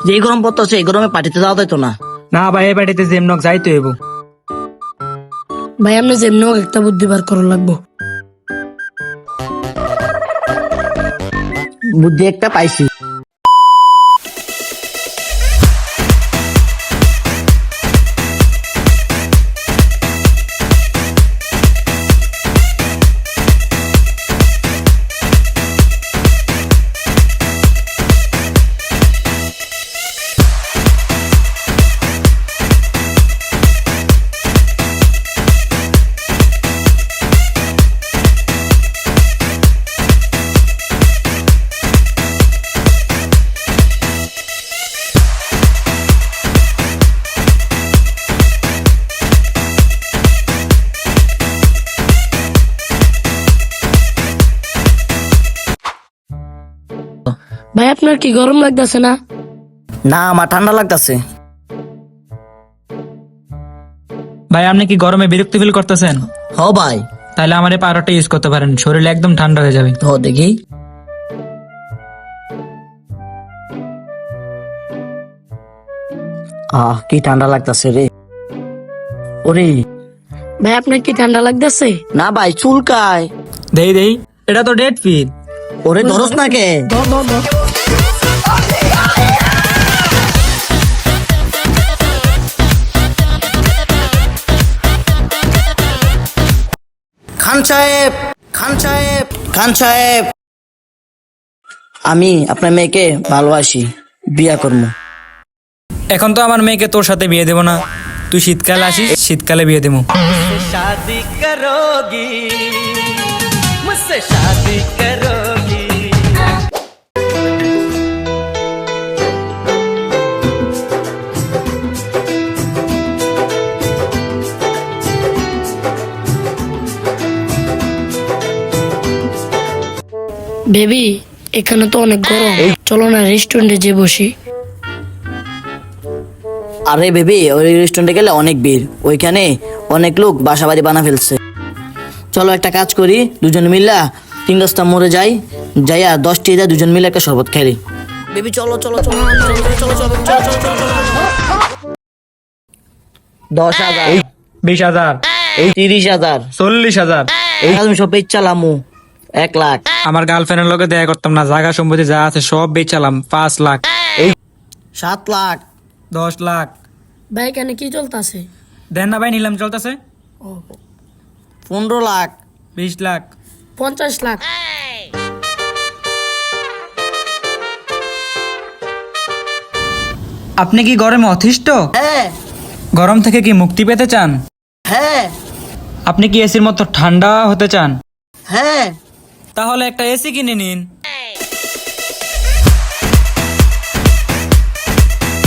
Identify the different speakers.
Speaker 1: যে গরম পড়তেছে এই গরমে পার্টিতে যাওয়া যাইতো না।
Speaker 2: না ভাই, এই বাড়িতে যেমনক যাইতে হইব।
Speaker 3: ভাই আপনি যেমনি হোক একটা বুদ্ধি বার করা লাগবো।
Speaker 1: বুদ্ধি একটা পাইছি।
Speaker 3: ভাই আপনার কি গরম লাগতেছে না?
Speaker 1: না আমার ঠান্ডা লাগতেছে।
Speaker 2: ভাই আপনি কি গরমে বিরক্তি ফিল করতেছেন?
Speaker 1: হ ভাই।
Speaker 2: তাহলে আমার এই পাউডারটা ইউজ করতে পারেন, শরীর একদম ঠান্ডা হয়ে যাবে।
Speaker 1: হ দেখি। কি ঠান্ডা লাগতেছে রে। ওরে
Speaker 3: ভাই আপনার কি ঠান্ডা লাগতেছে?
Speaker 1: না ভাই চুলকায়।
Speaker 2: দেই দেই, এটা তো ডেট ফিল।
Speaker 1: ওরে ধরস না কে। খান সাহেব, খান সাহেব, খান সাহেব, আমি আপনার মেয়েকে ভালোবাসি, বিয়া করবো।
Speaker 2: এখন তো আমার মেয়েকে তোর সাথে বিয়ে দেবো না, তুই শীতকালে আসিস, শীতকালে বিয়ে দেবো।
Speaker 4: शादी करोगी मुझसे शादी करोगी।
Speaker 3: বেবি এখানে তো অনেক গরম, চলো না রেস্টুরেন্টে যে বসি।
Speaker 1: আরে বেবি ওই রেস্টুরেন্টে গেলে অনেক ভিড়, ওইখানে অনেক লোক বাসা বাড়ি বানা ফেলছে। চলো একটা কাজ করি, দুজন মিল্লা 3-10টা মোড়ে যাই, যাইয়া 10টি যা দুজন মিলে একটা শরবত খেলি। বেবি চলো চলো চলো চলো চলো চলো চলো চলো চলো 10,000,
Speaker 2: 20,000,
Speaker 1: 30,000,
Speaker 2: 40,000।
Speaker 1: আমি সব বেচালামু 1 লাখ।
Speaker 2: আমার গার্লফ্রেন্ডের লোকে দেখা করতাম না, জায়গা সম্পত্তি যা আছে সব বেচালাম 5 লাখ,
Speaker 1: 7 লাখ,
Speaker 2: 10 লাখ।
Speaker 3: ভাই এখানে কি চলতেছে?
Speaker 2: দেন না ভাই, নিলাম চলতেছে।
Speaker 1: 15 লাখ,
Speaker 2: 20 লাখ।
Speaker 3: 50 লাখ।
Speaker 2: আপনি কি গরমে অতিষ্ঠ?
Speaker 1: হ্যাঁ
Speaker 2: গরম থেকে কি মুক্তি পেতে চান?
Speaker 1: হ্যাঁ
Speaker 2: আপনি কি এসির মতো ঠান্ডা হতে চান?
Speaker 1: হ্যাঁ।
Speaker 2: তাহলে একটা এসি কিনে নিন।